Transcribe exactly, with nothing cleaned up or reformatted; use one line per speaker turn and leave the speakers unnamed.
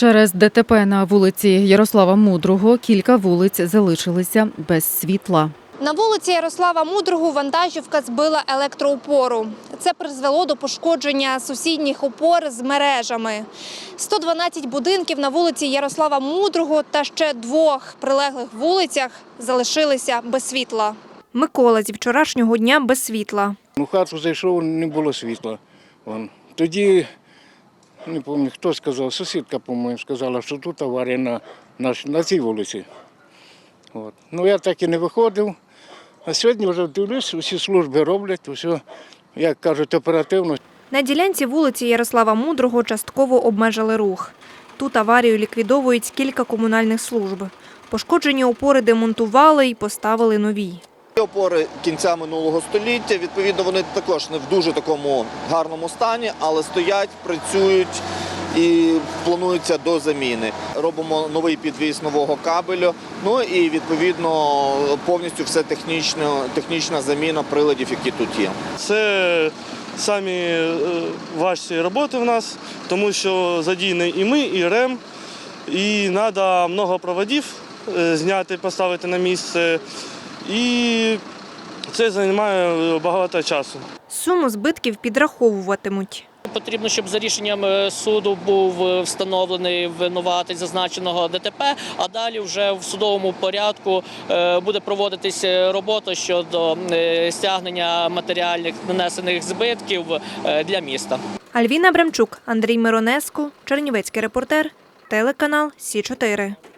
Через ДТП на вулиці Ярослава Мудрого кілька вулиць залишилися без світла.
На вулиці Ярослава Мудрого вантажівка збила електроопору. Це призвело до пошкодження сусідніх опор з мережами. сто дванадцять будинків на вулиці Ярослава Мудрого та ще двох прилеглих вулицях залишилися без світла. Микола зі вчорашнього дня без світла.
У хату зайшов, не було світла. Вон. Тоді, не пам'ятаю, хто сказав, сусідка, по-моєму, сказала, що тут аварія на, на, на цій вулиці. От. Ну, я так і не виходив. А сьогодні вже дивлюсь, усі служби роблять, усе, як кажуть, оперативно.
На ділянці вулиці Ярослава Мудрого частково обмежили рух. Тут аварію ліквідовують кілька комунальних служб. Пошкоджені опори демонтували і поставили нові.
Опори кінця минулого століття, відповідно, вони також не в дуже такому гарному стані, але стоять, працюють і плануються до заміни. Робимо новий підвіз нового кабелю, ну і, відповідно, повністю все технічна, технічна заміна приладів, які тут є.
Це самі важчі роботи в нас, тому що задіяні і ми, і РЕМ, і треба багато проводів зняти, поставити на місце. І це займає багато часу.
Суму збитків підраховуватимуть.
Потрібно, щоб за рішенням суду був встановлений винуватець зазначеного ДТП, а далі вже в судовому порядку буде проводитись робота щодо стягнення матеріальних нанесених збитків для міста.
Альвіна Бремчук, Андрій Миронеско, Чернівецький репортер, телеканал Сі чотири.